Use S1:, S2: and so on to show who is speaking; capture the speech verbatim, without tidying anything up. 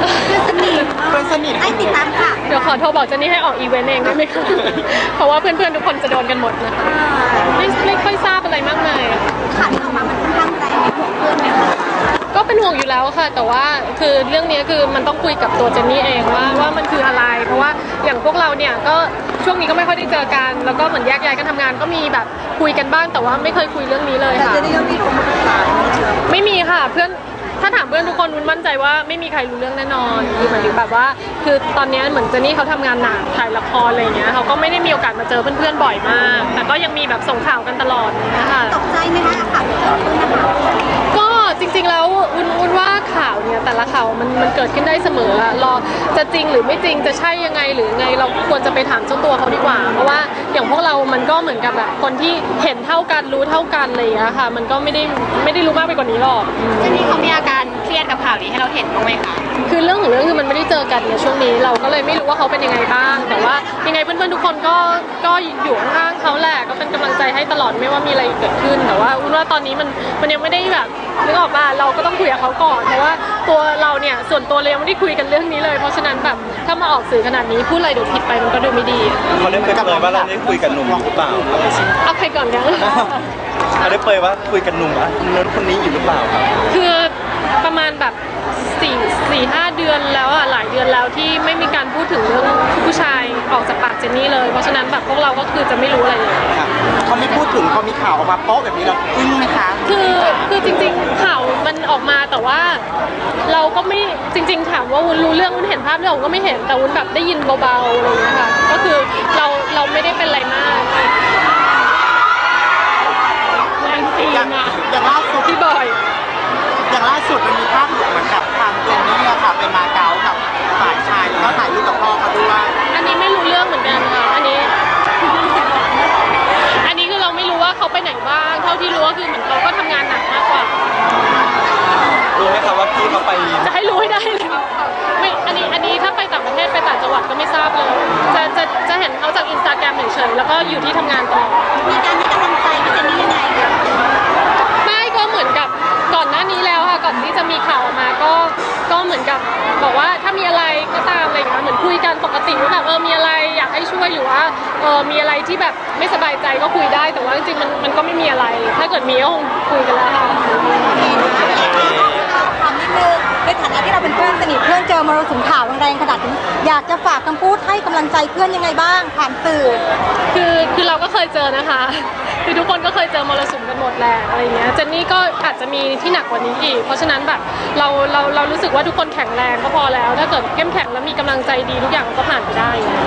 S1: เพื่อนสนิทเพื่อนสนิทให้ติดตามค่ะ
S2: เดี๋ยวขอโทรบอกเจนนี่ให้ออกอีเวนต์เองได้ไหมคะเพราะว่าเพื่อนๆทุกคนจะโดนกันหมดนะคะไม่ไม่ค่อยทราบอะไรมากมาย
S1: ข่าวที่ออกมามันค่อนข้างแรงในห่วงเพื่อนไหมคะ
S2: ก็เป็นห่วงอยู่แล้วค่ะแต่ว่าคือเรื่องนี้คือมันต้องคุยกับตัวเจนนี่เองว่าว่ามันคืออะไรเพราะว่าอย่างพวกเราเนี่ยก็ช่วงนี้ก็ไม่ค่อยได้เจอกันแล้วก็เหมือนแยกย้ายกันทำงานก็มีแบบคุยกันบ้างแต่ว่าไม่เคยคุยเรื่องนี้เลยค่ะ
S1: แต่เจนนี่ก็มีคนมาปรึกษา
S2: ไม่มีค่ะเพื่อนถ้าถามเพื่อนทุกคนวุ้นมั่นใจว่าไม่มีใครรู้เรื่องแน่นอนคือหมายถึงแบบว่าคือตอนนี้เหมือนเจนนี่เขาทำงานหนักถ่ายละครอะไรเงี้ยเขาก็ไม่ได้มีโอกาสมาเจอเพื่อนๆบ่อยมากแต่ก็ยังมีแบบส่งข่าวกันตลอดนะคะ
S1: ตกใจไหมคะข่าวที่เกิดขึ้นนะคะ
S2: ก็จริงๆแล้ววุ้นวุ้นว่าข่าวเนี่ยแต่ละข่าวมันมันเกิดขึ้นได้เสมอรอจะจริงหรือไม่จริงจะใช่ยังไงหรือไงเราควรจะไปถามเจ้าตัวเขาดีกว่าเพราะว่าอย่างพวกเรามันก็เหมือนกับแบบคนที่เห็นเท่ากันรู้เท่ากันอะไรอย่างเงี้ยค่ะมันก็ไม่ได้ไม่ได้รู้มากไปกว่านี้หรอก
S1: เจนนี่เขามีอาการเครียดกับข่าวนี้ให้เราเห็นบ้างไหมคะ
S2: คือเรื่องของเรื่องคือมันไม่ได้เจอกันในช่วงนี้เราก็เลยไม่รู้ว่าเขาเป็นยังไงบ้างแต่ว่ายังไงเพื่อนๆทุกคนก็ก็อยู่ข้างๆเขาแหละก็เป็นกำลังใจให้ตลอดไม่ว่ามีอะไรเกิดขึ้นแต่ว่าวุ้นว่าตอนนี้มันมันยังไม่ได้แบบนึกออกป่ะเราก็ต้องคุยกับเขาก่อนเพราะว่าตัวเราเนี่ยส่วนตัวเรายังไม่ได้คุยกันเรื่องนี้เลยเพราะฉะนั้นแบบถ้ามาออกสื่อขนาดนี้พูดอะไรเดี๋ยวผิดไปมันก็ดูไม่ดี
S3: เขาได้เปิดเผยว่าเราได้คุยกับหนุ่มหรือเปล่า
S2: เอาใครก่อนกัน
S3: เขาได้เปิดว่าคุยกับหนุ่มอ่ะคนนั้นคนนี้อยู่หรือเปล่าครับ
S2: คือประมาณแบบสี่สี่ห้าเดือนแล้วอ่ะหลายเดือนแล้วที่ไม่มีการพูดถึงเรื่องผู้ชายออกจากปากเจนนี่เลยเพราะฉะนั้นแบบพวกเราก็คือจะไม่รู้อะไรเลย
S1: เขาไม่พูดถึงเขามีข่าวออกมาโป๊ะแบบนี้เราอึ้งไหมคะ
S2: คือคือจริงๆข่าวมันออกมาแต่ว่าเราก็ไม่จริงๆถามว่าวุ้นรู้เรื่องวุ้นเห็นภาพเราก็ไม่เห็นแต่วุ้นแบบได้ยินเบาๆอะไรอย่างเงี้ยค่ะก็คือเราเราไม่ได้เป็นอะไรมากแรงตีนอะ
S1: อย่างล่าสุด
S2: พี่บอย
S1: อย่างล่าสุดมันมีภาพเหมือนกับทางเจนนี่อะค่ะไปมาเก๊ากับฝ่ายชายแล้วก็ถ่ายรูปกับพ่อเขาด้วย
S2: อันนี้ไม่รู้เรื่องเหมือนกันค่ะอันนี้อันนี้คือเราไม่รู้ว่าเขาไปไหนบ้างเท่าที่รู้ก็คือเหมือนเขาก็ทำงานหนักมากกว่า
S3: รู้ไหมครับว่าพี่เขาไป
S2: จะให้รู้ให้ได้เลยไม่อันนี้อันนี้ถ้าไปต่างประเทศไปต่างจังหวัดก็ไม่ทราบเลยจะจะจะเห็นเขาจากอินสตาแกรมเฉยๆแล้วก็อยู่ที่ทำงานตลอด
S1: มีการให้กำลังใจพี่เจนนี่ยังไง
S2: ไม่ก็เหมือนกับก่อนหน้านี้แล้วค่ะก่อนที่จะมีข่าวออกมาก็ก็เหมือนกับบอกว่าถ้ามีอะไรก็ตามอะไรอย่างเงี้ยเหมือนคุยกันปกติว่าแบบเออมีอะไรอยากให้ช่วยหรือว่าเออมีอะไรที่แบบไม่สบายใจก็คุยได้แต่ว่าจริงๆมันมันก็ไม่มีอะไรถ้าเกิดมีก็คงคุยกันแล้วค่ะ
S1: ถามนิดนึงในฐานะที่เราเป็นเพื่อนสนิทเพื่อนเจอมรสุมข่าวแรงๆขนาดนี้อยากจะฝากคำพูดให้กำลังใจเพื่อนยังไงบ้างผ่านสื่อ
S2: คือคือเราก็เคยเจอนะคะคือทุกคนก็เคยเจอมรสุมกันหมดแหละอะไรเงี้ยเจนนี่ก็อาจจะมีที่หนักกว่านี้อีกเพราะฉะนั้นแบบเราเราเรารู้สึกว่าทุกคนแข็งแรงก็พอแล้วถ้าเกิดเข้มแข็งแล้วมีกำลังใจดีทุกอย่างก็ผ่านไปได้